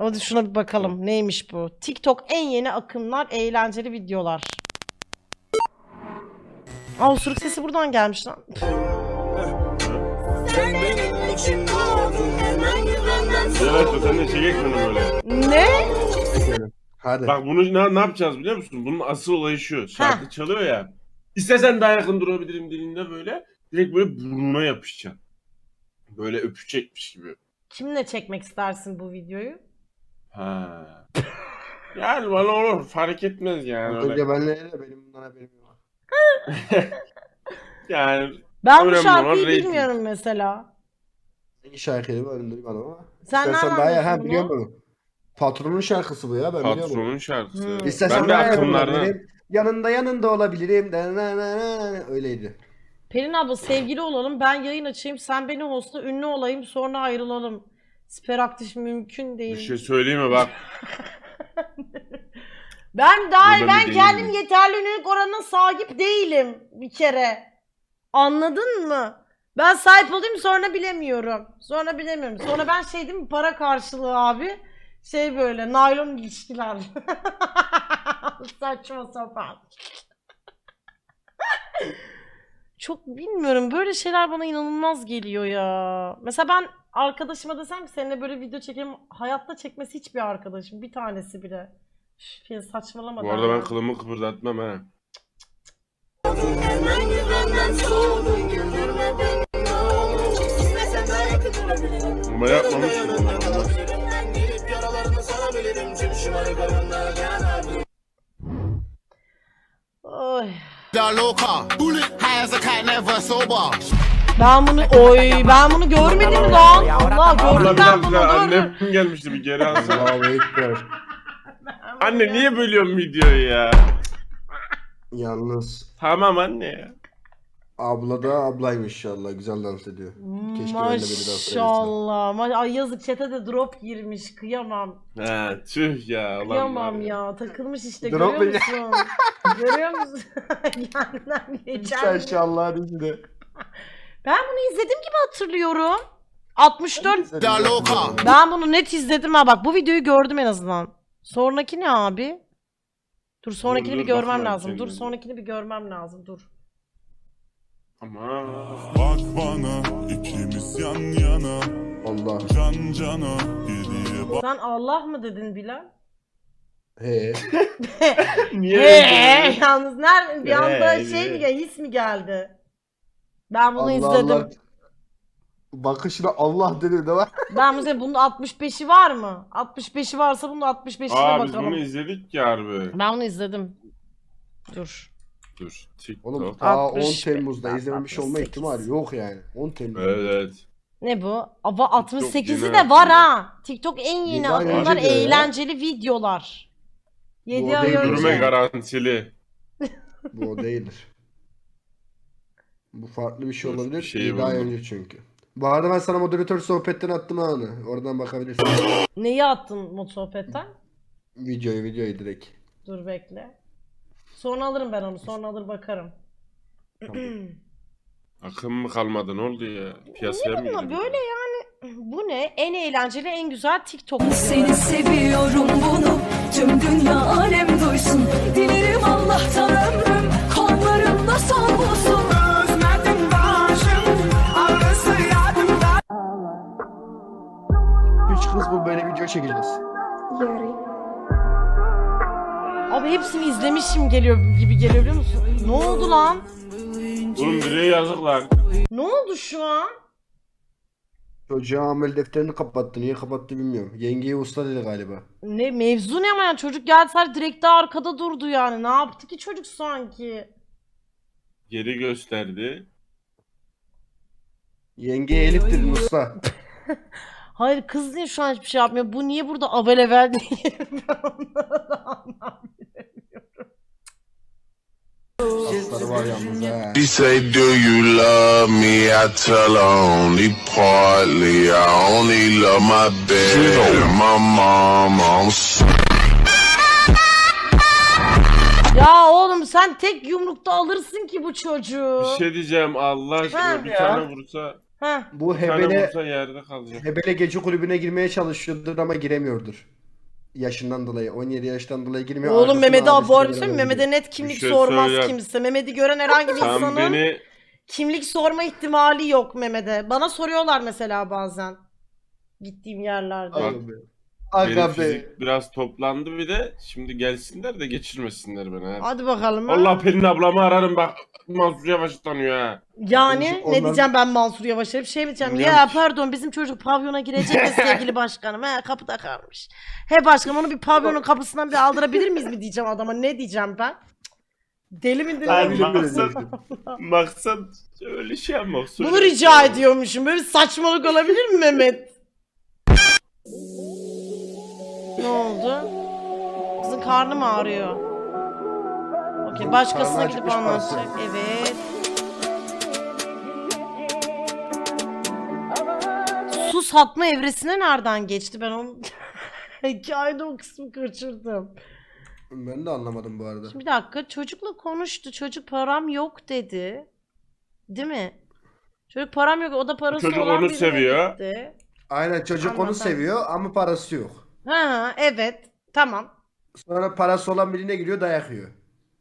Hadi şuna bir bakalım. Neymiş bu? TikTok en yeni akımlar, eğlenceli videolar. Aa, osuruk sesi buradan gelmiş lan. Evet, sen de çekek bunu böyle. Ne? Hadi. Bak bunu ne yapacağız biliyor musun? Bunun asıl olayı şu. Şarkı çalıyor ya. İstesen daha yakın durabilirim dilinde böyle. Direkt böyle burnuna yapışacaksın. Böyle öpecekmiş gibi. Kimle çekmek istersin bu videoyu? Ha. Yani bana olur. Fark etmez yani. Az Öyle. önce benle de benim bundan haberim yok. Yani Ben bu önemli şarkıyı olan rating. bilmiyorum mesela. Hangi şarkıydı bu önümde bir bana ama. Sen İstersen nereden daha ya biliyorsun ha bunu? biliyor musun? Patronun şarkısı bu ya ben biliyorum. Patronun şarkısı. Hmm. İstersen Ben de daha yakın akımlardan. olabilirim. Yanında olabilirim. Öyleydi. Pelin abla sevgili olalım, ben yayın açayım, sen beni hostla, ünlü olayım, sonra ayrılalım. Speraktif mümkün Bir değil. şey söyleyeyim mi bak. Ben Burada ben bir kendim değilim. yeterli ünlülük oranına sahip değilim bir kere. Anladın mı? Ben sahip olayım sonra bilemiyorum. Sonra ben şey değil mi, para karşılığı abi. Şey böyle naylon ilişkiler. Saçma sapan. Çok bilmiyorum, böyle şeyler bana inanılmaz geliyor ya. Mesela ben arkadaşıma desem ki seninle böyle video çekelim, hayatta çekmesi hiçbir arkadaşım, bir tanesi bile. Üf, ya saçmalama. Bu arada ben kılımı kıpırdatmam ha. Ama yapmamışım. Oy. loca. Hands a cat never sober. Ben bunu görmedim lan. Allah Abla gördüm bir ben bunu. dakika, Dur. annem gelmişti, bir geri alsana. Allahu Ekber. Anne niye bölüyorsun videoyu ya? Yalnız Tamam anne ya. abla da ablaymış inşallah. Güzel dans ediyor. Keşke ben de beni dans edebilsem. Maşallah. Ay yazık, chat'e de drop girmiş. Kıyamam. Ha tüh ya. Ulan Kıyamam var ya. Takılmış işte, Drop görüyor musun? Görüyor musun? Kendinden geçen. İnşallah dizide. Ben bunu izledim gibi hatırlıyorum. 64. loca. Ben bunu net izledim ha, bak bu videoyu gördüm en azından. Sonraki ne abi? Dur sonrakini Dur, bir görmem bakma lazım. Dur kendine. sonrakini bir görmem lazım. Dur. Ama Bak bana ikimiz yan yana Allah. can cana geriye bak. Sen Allah mı dedin Bilal? He. niye öyle? Yalnız nerede bir anda He, şey mi he. geldi, his mi geldi? Ben bunu Allah izledim. Allah. Bakışına Allah dedi de var. Ben mesela bunun 65'i var mı? 65'i varsa bunun 65'ine Aa biz bakalım. bunu izledik ya harbi. Ben bunu izledim. Dur. Dur. TikTok. Oğlum ta 10 65, Temmuz'da izlememiş olma 68. ihtimali yok yani. 10 Temmuz. Evet. Ne bu? Ama 68'i yeni de var aslında. ha. TikTok en yeni Yedi ay akımlar, önce diyor ya. eğlenceli videolar. 7 Bu ay değil, önce. Yürüme garantili. Bu o değildir. Bu farklı bir şey Dur, olabilir. bir şey 7 ay buldum. önce çünkü. Bu arada ben sana moderatör sohbetten attım ha onu. Oradan bakabilirsin. Neyi attın mod sohbetten? videoyu direkt. Dur bekle. Sonra alırım ben onu. Sonra alır bakarım. Akım mı kalmadı, ne oldu ya? Piyasaya mı Ama girdi? böyle yani bu ne? En eğlenceli, en güzel TikTok Seni videoları. seviyorum bunu tüm dünya alem duysun. Dilerim Allah'tan ömrüm kollarımda son bulsun. Özledim başım ağrısı yadımda. 3 kız bu böyle video çekeceğiz. Abi hepsini izlemişim gibi geliyor biliyor musun? Ne oldu lan? Oğlum bireye yazık lan. Ne oldu şu an? Çocuğa amel defterini kapattı. Niye kapattı bilmiyorum. Yengeye usta dedi galiba. Ne mevzu ne ama yani çocuk geldi sadece direkt de arkada durdu yani. Ne yaptı ki çocuk sanki? Geri gösterdi. Yengeye Elif dedi usta. Hayır kız niye şu an hiçbir şey yapmıyor? Bu niye burada avelevel diye ben onları da anlamıyorum. Asları var yalnız ha. She say, do you love me? I tell her only partly. I only love my bed and my mom. Ya oğlum sen tek yumrukta alırsın ki bu çocuğu. Bir şey diyeceğim, Allah aşkına Ha bir ya. tane vursa. Heh. Bu Bir tane Hebele vursa yerde kalacak. Hebele gece kulübüne girmeye çalışıyordur ama giremiyordur. Yaşından dolayı, 17 yaştan dolayı girmiyor. Oğlum Arkasından Mehmet'e abisi bu arada de söyleyeyim mi? beraber Mehmet'e net kimlik şey sormaz söyleyeyim. kimse. Mehmet'i gören herhangi bir Sen insanın beni kimlik sorma ihtimali yok Mehmet'e. Bana soruyorlar mesela bazen. Gittiğim yerlerde. Bak, gidiyor. benim Aga be. fizik biraz toplandı bir de şimdi gelsinler de geçirmesinler beni. Ha. Hadi bakalım. ha. Allah Pelin ablamı ararım bak Mansur Yavaş'ı tanıyor ha. Yani Onlar- ne diyeceğim ben Mansur Yavaş'a bir şey mi diyeceğim? Bilmiyorum Ya ki. pardon bizim çocuk pavyona girecek ya sevgili başkanım. He kapıda kalmış. He başkanım onu bir pavyonun kapısından bir aldırabilir miyiz mi diyeceğim adama. Ne diyeceğim ben? Cık. Deli mi Hayır, deli mi? maksat, maksat öyle şey yapmak. Bunu rica ediyormuşum. Böyle bir saçmalık olabilir mi Mehmet? Ne oldu? Kızın karnı mı ağrıyor? Okey Kızın başkasına karnı gidip acıkmış anlatacak. parası. Evet. Su satma evresine nereden geçti? Ben onu hikayede o kısmı kaçırdım. Ben de anlamadım bu arada. Şimdi bir dakika çocukla konuştu. Çocuk param yok dedi. Değil mi? Çocuk param yok. O da parası Çocuk olan onu birine seviyor. gitti. Aynen, çocuk onu Anladım. seviyor ama parası yok. Ha evet. Tamam. Sonra parası olan birine giriyor, dayak yiyor.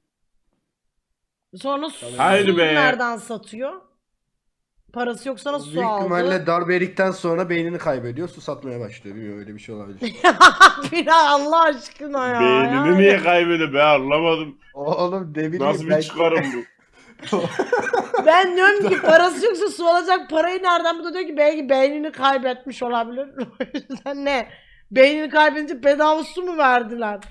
Sonra su Haydi be. nereden satıyor? Parası yok sana su Büyük aldı. ihtimalle darbe yedikten sonra beynini kaybediyor. Su satmaya başlıyor. Bilmiyorum, öyle bir şey olabilir. Biraz Allah aşkına ya. Beynini Yani. niye kaybediyor be anlamadım. Oğlum ne bileyim Nasıl bir belki- çıkarım bu? Ben diyorum ki parası yoksa su alacak parayı nereden? Bu da diyor ki belki beynini kaybetmiş olabilir. O yüzden ne? Beynini kaybedince bedava su mu verdiler?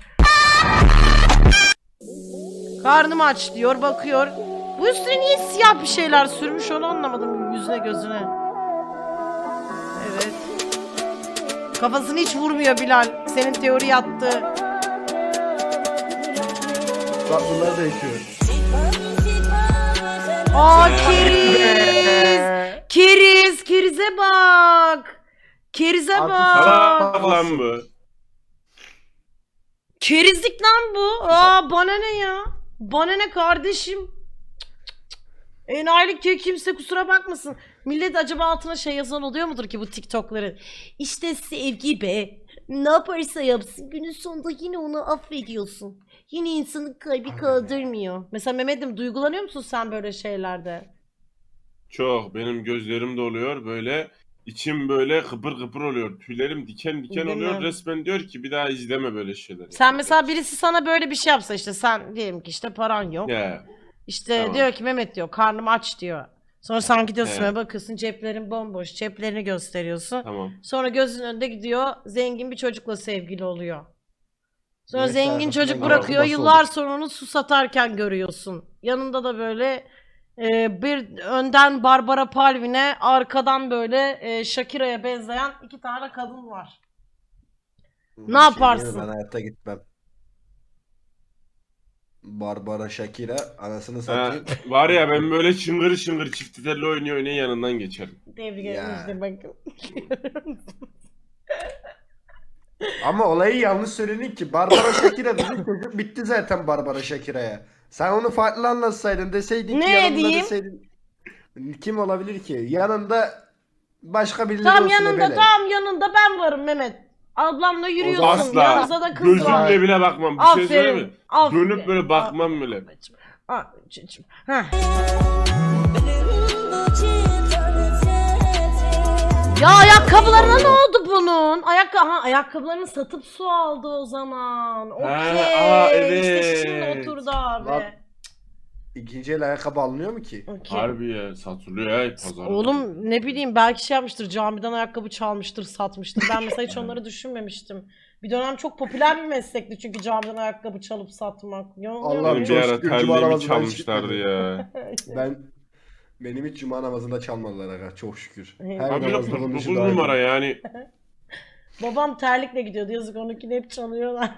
Karnım aç diyor bakıyor. Bu üstüne niye siyah bir şeyler sürmüş onu anlamadım yüzüne gözüne. Evet. Kafasını hiç vurmuyor Bilal. Senin teori yattı. Bak bunlar da yaşıyor. Aa keriz. Keriz. Kerize bak. Kerize Artık bak. Salak lan bu. Kerizlik lan bu. Aa bana ne ya? Bana ne kardeşim? Enayilik diyor kimse kusura bakmasın. Millet acaba altına şey yazan oluyor mudur ki bu TikTok'ların? İşte sevgi be. Ne yaparsa yapsın günün sonunda yine onu affediyorsun. Yine insanın kalbi kaldırmıyor. Mesela Mehmet'im duygulanıyor musun sen böyle şeylerde? Çok benim gözlerim doluyor böyle. İçim böyle kıpır kıpır oluyor. Tüylerim diken diken Değil oluyor. mi? Resmen diyor ki bir daha izleme böyle şeyler. Sen mesela birisi sana böyle bir şey yapsa işte sen diyelim ki işte paran yok. Ya. İşte Tamam. diyor ki Mehmet diyor karnım aç diyor. Sonra sen gidiyorsun Evet. ve bakıyorsun ceplerin bomboş. Ceplerini gösteriyorsun. Tamam. Sonra gözünün önünde gidiyor zengin bir çocukla sevgili oluyor. Sonra Neyse, zengin arkasından çocuk gelen bırakıyor babası yıllar olur. sonra onu su satarken görüyorsun. Yanında da böyle bir önden Barbara Palvin'e arkadan böyle Shakira'ya benzeyen iki tane kadın var. Bir Ne şey diyeyim mi? yaparsın? Ben hayatta gitmem. Barbara Shakira anasını Ha, satayım. var ya ben böyle çıngır çıngır çift telli oynuyor yanından geçerim. Tebrik Ya. ederim işte bakın. Ama olayı yanlış söyledin ki. Barbara Shakira dedi, çocuk bitti zaten Barbara Shakira'ya. Sen onu farklı anlatsaydın, deseydin ki Ne yanında diyeyim? deseydin. Kim olabilir ki? Yanında başka birileri Tam olsun yanında Ebele. tam yanında ben varım Mehmet. Ablamla yürüyorsun. Asla. Yanınızda da kız var. Gözümle bile bakmam. Bir şey söyleyeyim mi? Aferin. Dönüp böyle bakmam bile. Babacım. Heh. Ya ayakkabılarına ne oldu bunun? Ayakkabılarını satıp su aldı o zaman. Okey. İşte şimdi evet. oturdu abi. Lan, İkinci el ayakkabı alınıyor mu ki? Okey. Harbi ya satılıyor ya pazarda. Oğlum ne bileyim belki şey yapmıştır camiden ayakkabı çalmıştır satmıştır. Ben mesela hiç onları düşünmemiştim. Bir dönem çok popüler bir meslekti çünkü camiden ayakkabı çalıp satmak. Allah'ım Benim bir çok ara şükür cuma terliğimi namazından çalmışlardı çıkmadı. ya. Benim hiç cuma namazında çalmadılar aga, çok şükür. Evet. Her Abi de namazda 49 konuşu daha iyi. numara yani. Babam terlikle gidiyordu yazık onunkini hep çalıyorlar.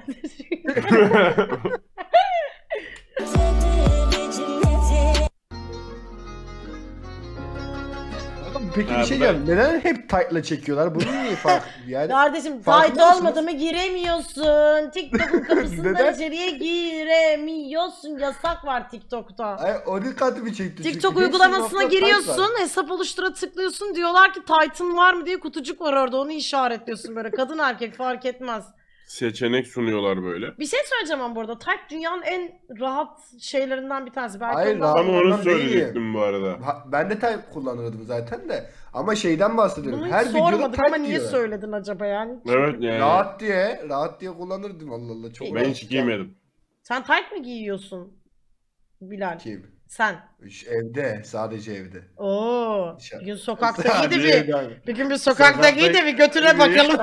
peki Ha, bir şey bu da- diyeceğim. Neden hep tight'la çekiyorlar? Bunun niye farkı? Yani Kardeşim tight farkında mısınız? olmadı mı giremiyorsun. TikTok'un kapısından Neden? içeriye giremiyorsun. Yasak var TikTok'ta. Ay, o dikkatimi çekti. çünkü. TikTok Hepsinin uygulamasına altında tight giriyorsun, var. hesap oluştura tıklıyorsun. Diyorlar ki Titan var mı diye kutucuk var orada. Onu işaretliyorsun böyle. Kadın erkek fark etmez. Seçenek sunuyorlar böyle. Bir şey söyleyeceğim ama burada. Tight dünyanın en rahat şeylerinden bir tanesi. Belki Hayır, ondan- rahat. Tam onu Ondan değil. söyleyecektim bu arada. Ben de tight kullanırdım zaten de. Ama şeyden bahsediyorum. Bunu Her hiç videoda sormadık ama tight niye diyor. söyledin acaba yani? Evet yani. Rahat diye kullanırdım Allah Allah. Çok Ben hiç giymedim. Sen tight mi giyiyorsun Bilal? Kim? Sen. Evde, sadece evde. Oo. Dışarı. Bir gün sokakta Sadece giy de evde bir. abi. Bir gün bir sokakta giy de bir götüne bakalım.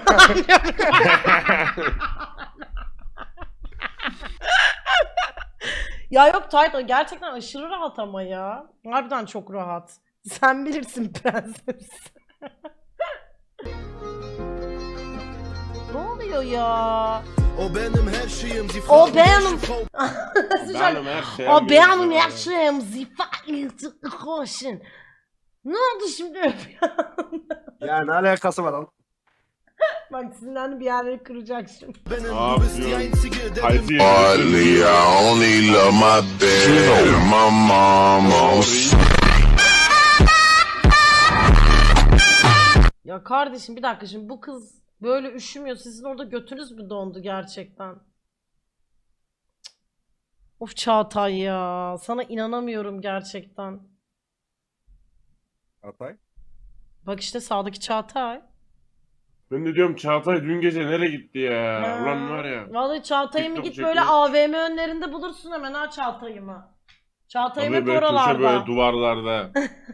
Ya yok tight o gerçekten aşırı rahat ama ya. Harbiden çok rahat. Sen bilirsin prenses. Ne oluyor ya? O benim her şeyim. O benim. Benim her şeyim. O benim yaşım. Zifayet koşun. Ne oldu şimdi? Ya ne alakası var lan? Bak sinirlendi bir yerleri kıracak şimdi. Benim Aa, bu bist biliyorum. einzige, der Haydi. Hardly, I only love my bed and my mama. Ya kardeşim bir dakika şimdi bu kız böyle üşümüyor. Sizin orada götünüz mü dondu gerçekten? Cık. Of Çağatay ya. Sana inanamıyorum gerçekten. Hatay. Bak işte sağdaki Çağatay. Ben de diyorum Çağatay dün gece nereye gitti ya? Ha. Ulan var ya. Vallahi Çağatay'ımı TikTok git böyle çekiyor. AVM önlerinde bulursun hemen ha Çağatay'ımı. Çağatay'ım Tabii hep böyle köşe oralarda. böyle duvarlarda.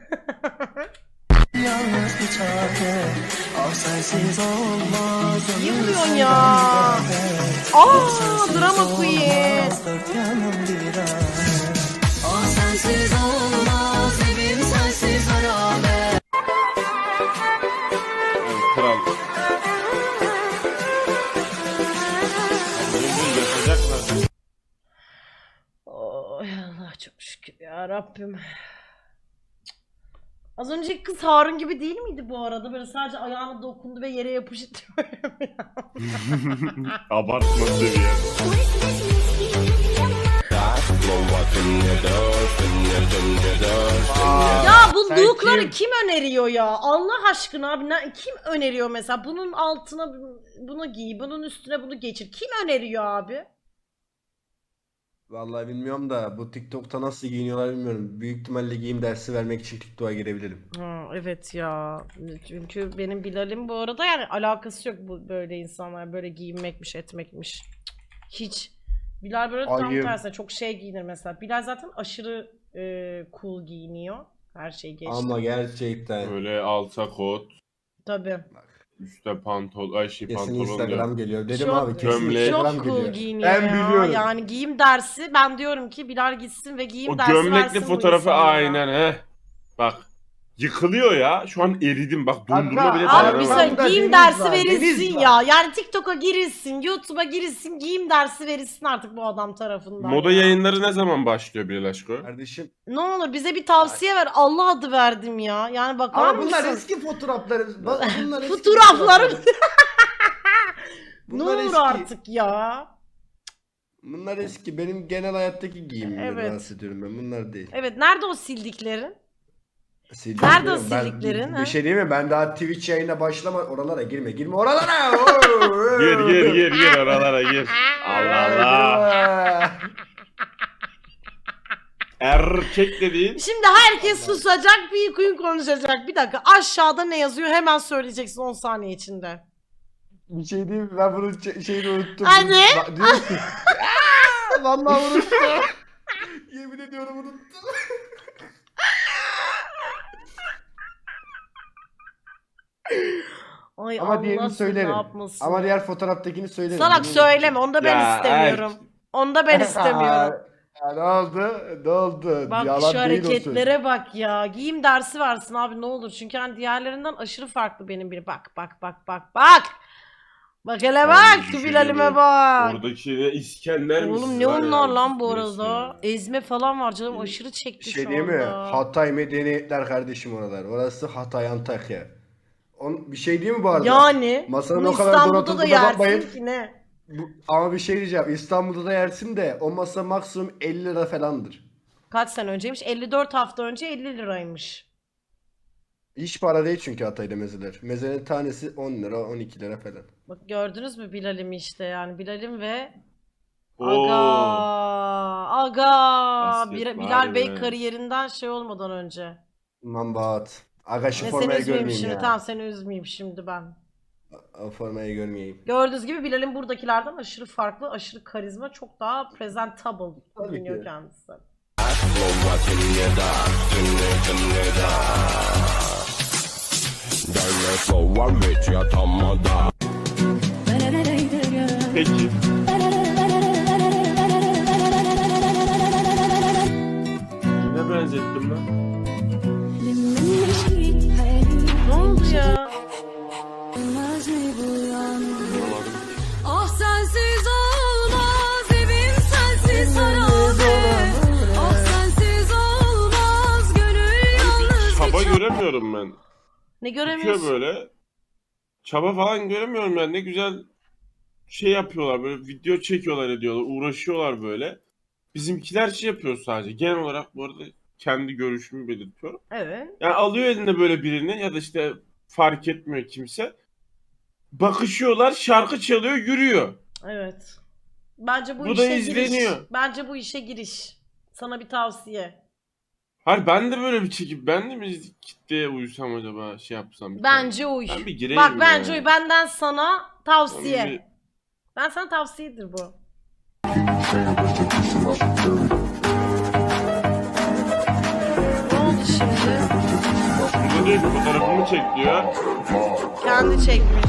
İyi vuruyorsun ya. Aa drama queen. sensiz olmaz, evim sensiz harabe. Yani kral. Bunu yapacaklar. Oy Allah çok şükür ya Rabbim. Az önceki kız Harun gibi değil miydi bu arada? Böyle sadece ayağına dokundu ve yere yapıştı. Abartma seviye. Ya bu Sen look'ları kim? kim öneriyor ya? Allah aşkına abi kim öneriyor mesela? Bunun altına bunu giy, bunun üstüne bunu geçir. Kim öneriyor abi? Vallahi bilmiyorum da bu TikTok'ta nasıl giyiniyorlar bilmiyorum. Büyük ihtimalle giyim dersi vermek için TikTok'a girebilirim. Ha, evet ya. Çünkü benim Bilal'im bu arada yani alakası yok bu böyle insanlar böyle giyinmekmiş etmekmiş. Cık, hiç. Bilal böyle tam Ayıp. tersine çok şey giyinir mesela. Bilal zaten aşırı cool giyiniyor. Her şey geçti. Ama gerçekten Böyle alta kot, Tabii. üstte pantolon, kesin pantolon Instagram diyor. geliyor. Dedim Çok- abi kesin Gömlek. Instagram Çok cool geliyor. giyiniyor Ben ya. biliyorum. Yani giyim dersi ben diyorum ki Bilal gitsin ve giyim O dersi gömlekli versin bu fotoğrafı insanlara. aynen he. Bak. Yıkılıyor ya. Şu an eridim. Bak dondurma Kanka, bile Abi bir dayanamadım. söyle Burada giyim deniz dersi var, verilsin deniz ya. var. Yani TikTok'a girilsin, YouTube'a girilsin, giyim dersi verilsin artık bu adam tarafından. Moda ya. yayınları ne zaman başlıyor Bilal Aşko? Kardeşim. Ne olur bize bir tavsiye ver. Allah adı verdim ya. Yani bakar Ama bunlar mısın? eski fotoğrafları. Bak, bunlar eski Fotoğraflarım. Ne Bunlar olur eski. artık ya. Bunlar eski. Benim genel hayattaki giyimimden Evet. bahsediyorum ben. Bunlar değil. Evet nerede o sildiklerin? Sildiklerim. Nerede o Ben- sildiklerin, ha? Bir şey değil mi? Ben daha Twitch yayına başlama. Oralara girme. Girme oralara. Gir oralara gir. Allah Allah. Erkek dediğin Şimdi herkes susacak, bir queen konuşacak. Bir dakika aşağıda ne yazıyor hemen söyleyeceksin 10 saniye içinde. Bir şey değil mi? Ben bunun şeyini unuttum. Hadi. Diyor ki. Vallahi unuttum. Yemin ediyorum unuttum. Ay Ama Allah diğerini seni söylerim. ne yapmasın. Ama diğer fotoğraftakini söylerim. Salak Bunu söyleme onu da ben Ya, istemiyorum. Onu da ben istemiyorum. Ya ne oldu? Ne oldu? Bak Yalan şu değil o söz. hareketlere bak ya. Giyim dersi versin abi ne olur. Çünkü hani diğerlerinden aşırı farklı benim biri. Bak. Bak hele bak şu Bilal'ime bak. Oradaki de İskender Oğlum misiniz ne var ya? onlar lan bu Neyse arada? ya. Ezme falan var canım aşırı çekti Şey şu değil mi? anda. Hatay medeniyetler kardeşim oralar. Orası Hatay Antakya. Bir şey değil mi bu arada? Yani Masanın bunu o kadar İstanbul'da da donatıldığına yersin bakmayın. ki ne? Ama bir şey diyeceğim. İstanbul'da da yersin de o masa maksimum 50 lira falandır. Kaç sene önceymiş? 54 hafta önce 50 liraymış. Hiç para değil çünkü Hatay'da mezeler. Mezenin tanesi 10 lira 12 lira falan. Bak gördünüz mü Bilal'imi işte yani Bilal'im ve Oo. Aga Basket, Bilal vay Bey be. kariyerinden şey olmadan önce. Mambat. Aga şu Ne seni formayı üzmeyeyim görmeyeyim şimdi ya. tamam seni üzmeyeyim şimdi ben. O formayı görmeyeyim. Gördüğünüz gibi Bilal'in buradakilerden aşırı farklı, aşırı karizma, çok daha presentable Tabii görünüyor ki. kendisi. Peki. Kime benzettim lan? Ne oldu ya? Ah sensiz olmaz evim sensiz harabe. Ah sensiz olmaz gönül yalnız Çaba bir göremiyorum ben. Ne Çıkıyor göremiyorsun? böyle. Çaba falan göremiyorum yani. Ne güzel şey yapıyorlar böyle video çekiyorlar ediyorlar. Uğraşıyorlar böyle. Bizimkiler şey yapıyor sadece. Genel olarak bu arada kendi görüşümü belirtiyorum. Evet. Yani alıyor eline böyle birini ya da işte fark etmiyor kimse. Bakışıyorlar, şarkı çalıyor, yürüyor. Evet. Bence bu Bu da işe izleniyor. giriş. Bence bu işe giriş. Sana bir tavsiye. Hayır ben de böyle bir çekip ben de mi kitleye uysam acaba şey yapsam. bir Bence tane. uy. Ben bir gireyim Bak bence ya. uy. Benden sana tavsiye. Ben bir- Ben sana tavsiyedir bu. Ne oldu şimdi? Burada diyor ki fotoğrafımı çek diyor. Kendi çekmiş.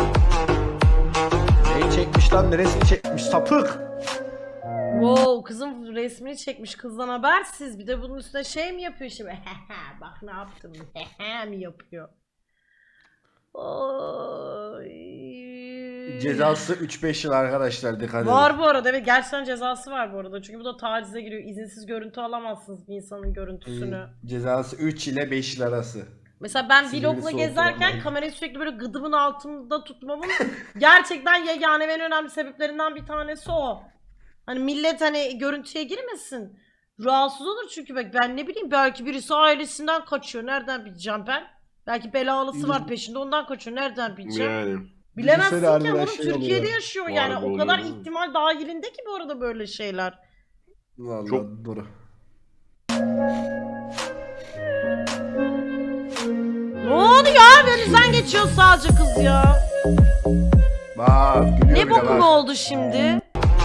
Neyi çekmiş lan? Neresini çekmiş? Sapık. Wow, kızım resmini çekmiş kızdan habersiz. Bir de bunun üstüne şey mi yapıyor şimdi? Bak ne yaptım. mi yapıyor? Oy. Cezası 3-5 yıl arkadaşlar, dikkat edin. Var bu arada, evet gerçekten cezası var bu arada. Çünkü bu da tacize giriyor. İzinsiz görüntü alamazsınız bir insanın görüntüsünü. Cezası 3 ile 5 yıl arası. Mesela ben Sinirli vlogla soğuk gezerken olanlar. kamerayı sürekli böyle gıdımın altında tutmamın gerçekten yegane ve en önemli sebeplerinden bir tanesi o. Hani millet hani görüntüye girmesin. Rahatsız olur çünkü bak ben ne bileyim belki birisi ailesinden kaçıyor. Nereden bileceğim ben? Belki belalısı var peşinde ondan kaçıyor. Nereden bileceğim? Yani. Bilemezsin Düşünsene ki harbiden oğlum şey Türkiye'de oluyor. yaşıyor Var yani. bu O kadar oluyor. ihtimal dahilinde ki bu arada böyle şeyler. Vallahi Çok- doğru. Ne oldu ya? Önünüzden geçiyor sadece kız ya. Bak gülüyor Ne bile bokum bak. oldu şimdi?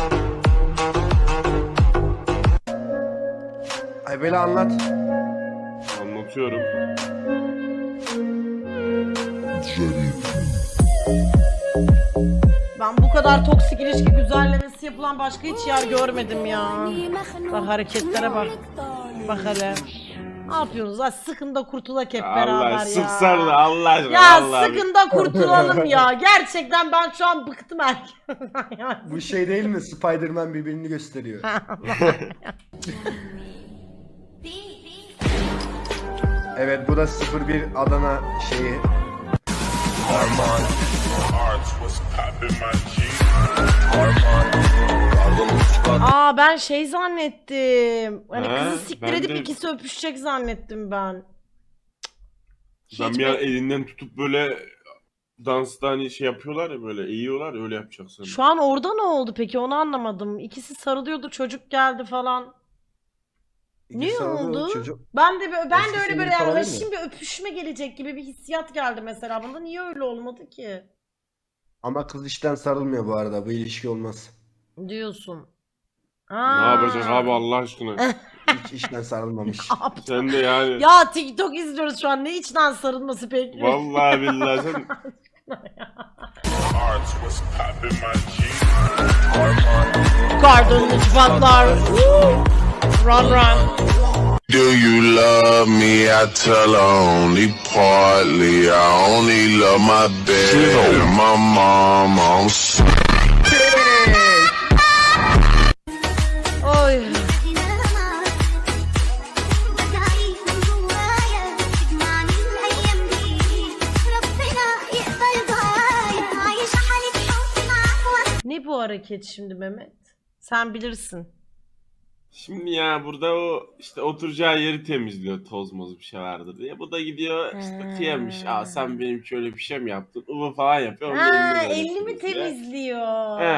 Ay böyle anlat. Anlatıyorum. Ben bu kadar toksik ilişki güzellemesi yapılan başka hiç yer görmedim ya. Bak hareketlere bak. Bak hele. Ne yapıyorsunuz lan? Sıkın da kurtulak hep beraber Allah ya. sıksan da Allah aşkına. Ya Allah. sıkın da kurtulalım ya. Gerçekten ben şu an bıktım herkesten. Bu şey değil mi? Spider-Man birbirini gösteriyor. Evet, bu da 01 Adana şeyi. Aa ben şey zannettim. Hani Ha, kızı siktir ben edip de- ikisi öpüşecek zannettim ben. Ben Hiç bir an be- elinden tutup böyle dansta hani şey yapıyorlar ya böyle eğiyorlar öyle yapacaksın. Şu an orada ne oldu peki onu anlamadım. İkisi sarılıyordu çocuk geldi falan. Ne İkisi arada oldu? Çocuk. Ben de öyle Eskisi böyle gibi falan yani değil mi? şimdi öpüşme gelecek gibi bir hissiyat geldi mesela bunda. Niye öyle olmadı ki? Ama kız işten sarılmıyor bu arada. Bu ilişki olmaz. Diyorsun. Ne yapacak abi Allah aşkına? Hiç işten sarılmamış. Sen de yani. Ya TikTok izliyoruz şu an. Ne içten sarılması peki? Vallahi billahi sen Kardonlu çıplaklar. Run run. Do you love me? I tell her only partly. I only love my bed and my mom. I'm Oy. Ne bu hareket şimdi Mehmet? Sen bilirsin. Şimdi ya burada o işte oturacağı yeri temizliyor, toz moz bir şey vardır diye. Bu da gidiyor işte kıyamış. Aa sen benim şöyle bir şey mi yaptın? Uvu falan yapıyor. Onun da Ha, elini böyle elini mi temizliyor. temizliyor? He.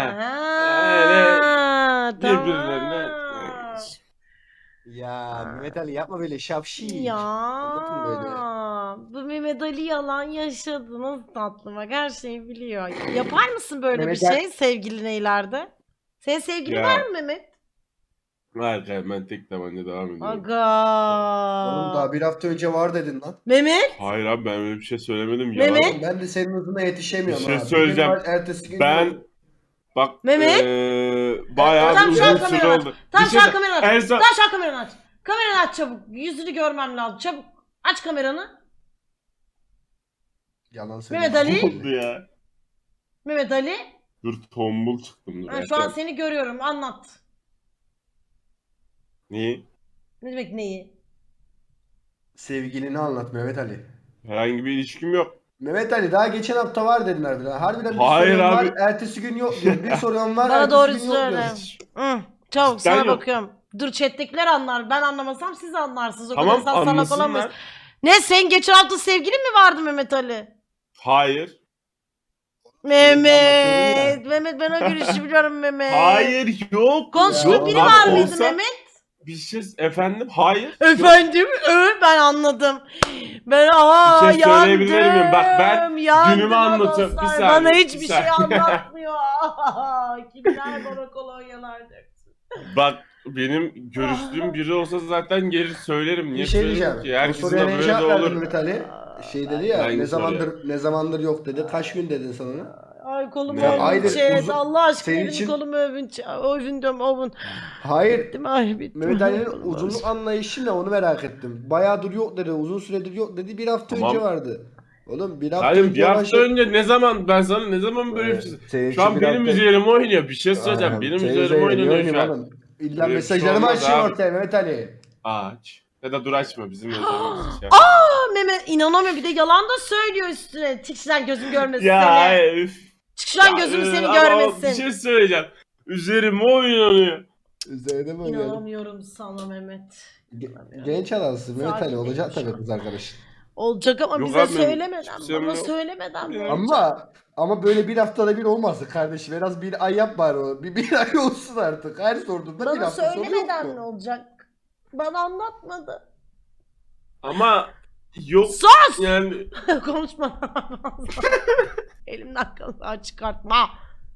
Ha, birbirlerine- tamam. Ya Mehmet Ali yapma böyle şapşi. Ya Anlatın böyle. bu Mehmet Ali yalan yaşadı. Nasıl tatlı bak her şeyi biliyor. Yapar mısın böyle Mehmet bir Ali- şey sevgiline ileride? Senin sevgilin Ya. var mı Mehmet? Hayır ben tek tabanca devam ediyorum. Aga. Oğlum daha bir hafta önce var dedin lan. Mehmet? Hayır abi ben öyle bir şey söylemedim ya. Mehmet? Oğlum ben de senin hızına yetişemiyorum Bir şey abi. söyleyeceğim. Benim var, ertesi gün Ben yok. bak Mehmet? bayağı Tam bir şu an uzun süre kameranı aç. oldu. Tam Bir şu an şey- kameranı aç. en son- Tam şu an kameranı aç. Kameranı aç çabuk. Yüzünü görmem lazım. Çabuk. Aç kameranı. Yalan söylüyorum. Mehmet Ali. Ne oldu ya? Mehmet Ali. Dur tombul çıktım. Dur. Ha, şu an seni görüyorum. Anlat. Niye? Ne demek neyi? Sevgilini anlat Mehmet Ali. Herhangi bir ilişkim yok. Mehmet Ali daha geçen hafta var dedin harbiden. Harbiden bir Hayır soruyorum abi. var, ertesi gün yok diyor. Bir soruyorum var, Bana ertesi doğru gün yok söyle. diyor. Hı, çabuk Sen sana yok. bakıyorum. Dur chat'tekiler anlar. Ben anlamasam siz anlarsınız. O Tamam kadar salak olamayız. anlasınlar. Ne sen geçen hafta sevgilin mi vardı Mehmet Ali? Hayır. Mehmet. Mehmet ben o gülüşü biliyorum Mehmet. Hayır yok. Konuştuğun Ya, biri lan var mıydı olsa- Mehmet? Bir şey efendim hayır. Efendim? Ben anladım. Ben Bir şey söyleyebilir yandım. miyim? Bak ben yandım günümü anlatıyorum. Bir dostlar. saniye, Bana bir hiçbir şey saniye. anlatmıyor. Kimler bana kolonyalar döksün. Bak benim görüştüğüm biri olsa zaten gelir söylerim. Niye Bir şey söyleyeyim diyeceğim. ki? O Herkesin soruya de ne böyle de cevap verdin olur. Mehmet Ali? Şey dedi ya, Hangi ne zamandır yok dedi. Kaç gün dedin sen ona? Ay kolumu Ne? övün Hayır, chat. uzun- Allah aşkına senin benim için- kolumu övün. Övün diyorum övün. Hayır. Bittim ay bittim. Mehmet Ali'nin Kolum uzunluk ağrıyor. anlayışı ne onu merak ettim. Bayağıdır yok dedi, uzun süredir yok dedi. Bir hafta Tamam. önce vardı. Oğlum bir hafta Hayır önce bir hafta başladı. önce ne zaman ben sana ne zaman böyle bir şey... Senin Şu an için bir benim hafta- üzerime oynuyor. Bir şey söyleyeceğim. Aynen, Benim senin üzerime üzerine oynuyor şu an. oğlum. İlla Böyle bir şey mesajlarımı olmaz açıyor abi. ortaya Mehmet Ali. Aç. Ya da dur açma bizim üzerimize şey. Aa, Mehmet inanamıyorum bir de yalan da söylüyor üstüne. Çık lan gözüm görmesin Ya seni. üf. Çık lan Ya, gözüm seni ama görmesin. Bir şey söyleyeceğim. Üzerime oynanıyor. Üzerine mi oynayalım? İnanamıyorum sana Mehmet. Genç adamsın Mehmet Ali, Sakin olacak değilim şu tabii kız arkadaşın. Olacak ama Yok bize abi, söylemeden, hiçbir şeyim bana yok. söylemeden Ya. olacak. Ama böyle bir haftada bir olmasın kardeşim. En az bir ay yap bari o. Bir ay olsun artık. Her sorduğunda bir Bana hafta sonra yok söylemeden ne mu? olacak? Bana anlatmadı. Ama yok Sus! yani Konuşma. Elimden kalan çıkartma.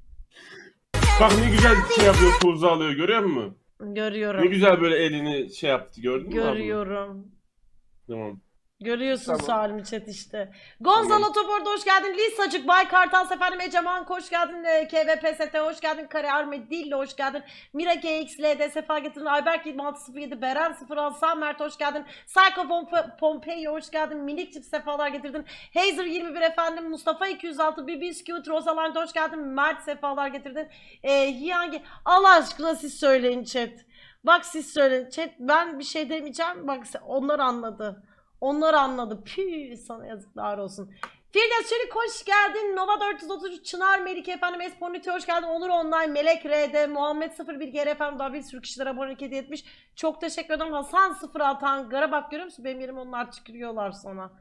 bak ne güzel şey yapıyor, tuzu alıyor görüyor musun? Ne Görüyorum. güzel böyle elini şey yaptı gördün mü? abla? Görüyorum. Tamam. Görüyorsun Tamam. Salim chat işte. Gonzalo Topor'da hoş geldin. Lisacık, Bay Kartal efendim, Eceman hoş geldin. KVPST hoş geldin. Kare Armedillo hoş geldin. Mira GXL'de sefa getirdin. Ayberk 2607, Beren 06, Samert hoş geldin. Psycho Pompeyo hoş geldin. Minik çift sefalar getirdin. Hazer 21 efendim. Mustafa 206, Bibiskut, Rosalind hoş geldin. Mert sefalar getirdin. Hiyangi Allah aşkına siz söyleyin chat. Bak siz söyleyin. Chat ben bir şey demeyeceğim. Bak onlar anladı. Onlar anladı. Püh sana yazıklar olsun. Firdevs Çelik hoş geldin. Nova 433 Çınar Melike efendim. Esponite hoş geldin. Onur Online Melek RD Muhammed 01 GR efendim. Daha bir sürü kişiler abonelik hediye etmiş. Çok teşekkür ederim. Hasan 06 Ankara bak görüyor musun? Benim yerime onlar tükürüyorlar sana.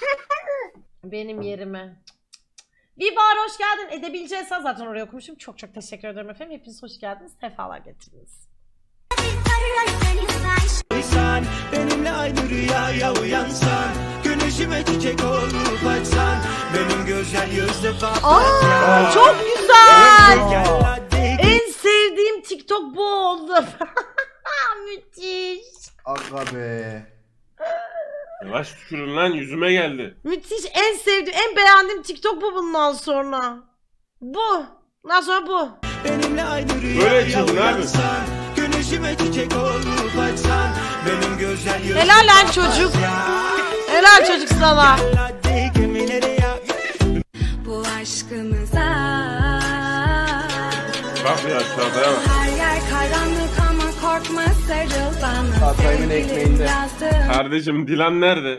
Benim yerime. Vibar hoş geldin. Edebileceğiz zaten oraya okumuşum. Çok çok teşekkür ederim efendim. Hepiniz hoş geldiniz. Sefalar getirdiniz. İnsan benimle aynı rüyaya uyansan, güneşime çiçek olup açsan, benim güzel yüzlü Aa, çok güzel. En sevdiğim TikTok bu oldu. Müthiş. Aga be. Yavaş tükürün lan yüzüme geldi. Müthiş. En sevdiğim, en beğendiğim TikTok bu bundan sonra. Bu. Bundan sonra bu. benimle aynı Böyle rüyaya çılgın abi. uyansan, güneşime Gülüşüme çiçek olup açsan, benim güzel yüzüm Helal lan çocuk. Helal çocuk sana. hadi gemilere ya. Bu aşkımıza Bak ya çağataya bak. her yer karanlık ama korkma sarıl bana. Hatay'ın Sevgilim ekmeğinde. yazdım. Kardeşim Dilan nerede?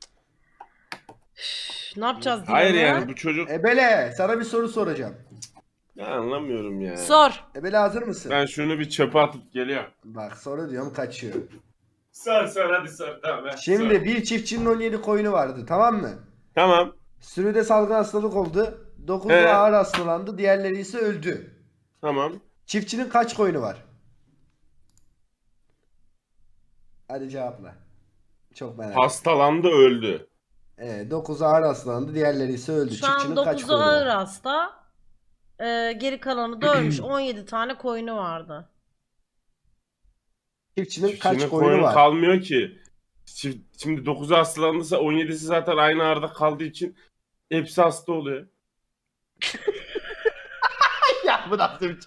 Ne yapacağız diye. Hayır yani bu çocuk... Ebele sana bir soru soracağım. Ya anlamıyorum ya. Sor. Ebele hazır mısın? Ben şunu bir çöpe atıp geliyorum. Bak soru diyorum kaçıyor. Sor hadi sor tamam. ben Şimdi sor. bir çiftçinin 17 koyunu vardı tamam mı? Tamam. Sürüde salgın hastalık oldu. 9'u He. ağır hastalandı. Diğerleri ise öldü. Tamam. Çiftçinin kaç koyunu var? Hadi cevapla. Çok merak ettim. Hastalandı öldü. 9'u ağır hastalandı. Diğerleri ise öldü. Şu an Çiftçinin kaç 9'u koyunu ağır var? hasta. Geri kalanı da ölmüş. 17 tane koyunu vardı. Çiftçinin kaç Çiftçinin koyunu koyunu var? kalmıyor ki. Şimdi 9'u hastalandıysa 17'si zaten aynı arada kaldığı için hepsi hasta oluyor. Ya bu nasıl bir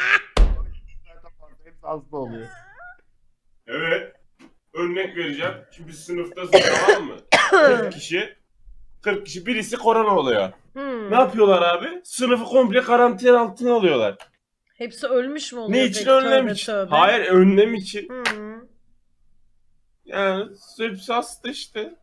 Hepsi hasta oluyor. Evet. Örnek vereceğim. Şimdi biz sınıftasın tamam mı? 40 kişi. 40 kişi birisi korona oluyor. Hmm. Ne yapıyorlar abi? Sınıfı komple karantina altına alıyorlar. Hepsi ölmüş mü oluyor? Ne için? peki? Önlem Tövbe için. tövbe. Hayır önlem için. Hmm. Yani hepsi hasta işte.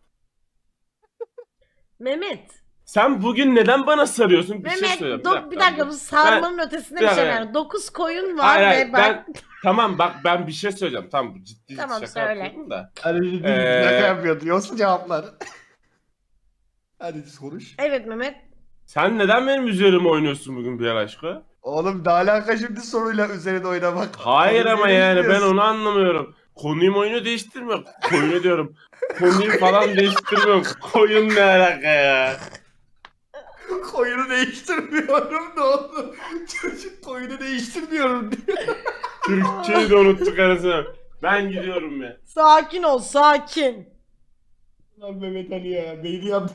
Mehmet. Sen bugün neden bana sarıyorsun? Bir şey Mehmet söyleyeyim. bir dakika bu sarmanın ötesinde bir bir şey dakika. var. 9 koyun var Hayır, ve hayır, ben... tamam bak ben bir şey söyleyeceğim. Tamam bu ciddi Tamam, şaka söyle. yapıyorum da. Hadi Ee, şaka yapıyordu. Yoksa cevaplar. Hadi konuş. Evet Mehmet. Sen neden benim üzerime oynuyorsun bugün bir aşkı? Oğlum ne alaka şimdi soruyla üzerinde oynamak? Hayır Konuyu ama yani ben değiştiriyorsun. onu anlamıyorum. Konuyu oyunu değiştirmiyorum. Koyunu diyorum. Konuyu falan değiştirmiyorum. Koyun ne alaka ya? Koyunu değiştirmiyorum ne oldu? Çocuk koyunu değiştirmiyorum diyor. Türkçeyi de unuttuk arasına. Ben gidiyorum ya. Sakin ol sakin. Lan Mehmet Ali ya. Beyni yandı.